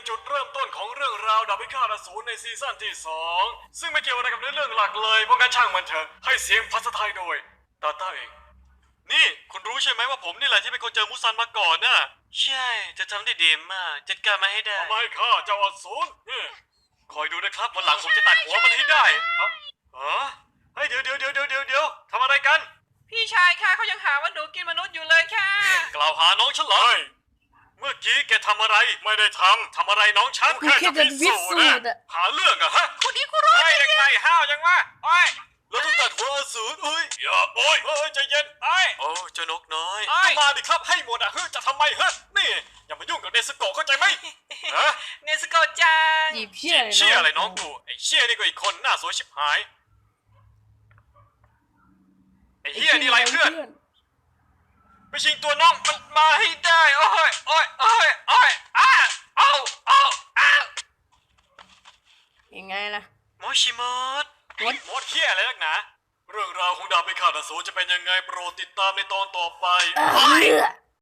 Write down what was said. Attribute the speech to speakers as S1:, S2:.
S1: จุดเริ่มต้นของเรื่องราวดาบพิฆาตอสูรในซีซั่นที่2ซึ่งไม่เกี่ยวอะไรกับเรื่องหลักเลยเพราะงั้นช่างมันเถอะให้เสียงภาษาไทยโดยตาต้าเองนี่คุณรู้ใช่ไหมว่าผมนี่แหละที่เป็นคนเจอมุซันมาก่อนน่ะใช่จะทำได้ดีมากจัดการมาให้ได้ทำไมข้าเจ้าอสูรคอยดูนะครับวันหลังผมจะตัดหัวมันให้ได้เฮ้ยเดี๋ยวทำอะไรกัน
S2: พี่ชายค่ะเขายังหาว่าหนูกินมนุษย์อยู่เลยค่ะ
S1: กล่าวหาน้องฉันเหรอเมื่อกี้แกทำอะไรไม่ได้ทำอะไรน้องฉัน
S3: กูแค่จะพิสูจน์อะ
S1: หาเรื่องอะฮะ
S2: คุณนี่คุณรู้
S1: ไอ้ยังไงห้าวยังวะไอ้แล้วต้องตัดหัวอสูรอย่าโอ้ยใจเย็นไอ้โอ้เจ้านกน้อยก็มาดิครับให้หมดอะจะทำไมนี่อย่ามายุ่งกับเนสโกะเข้าใจไหมฮะ
S2: เนสโกะจัง
S3: จีบเชี่ย
S1: เชี่ยอะไรน้องกูไอ้เชี่ยนี่ก็อีกคนหน้าสวยชิบหายไอ้เฮียนี่ไรเพื่อนไปชิงตัวน้องมันมาให้ได้โอ้ย
S3: ยังไงล่ะ
S1: โมชิมดมดเฮียอะไรนักหนาเรื่องราวของดาบพิฆาตอสูรจะเป็นยังไงโปรดติดตามในตอนต่อไป
S3: เออ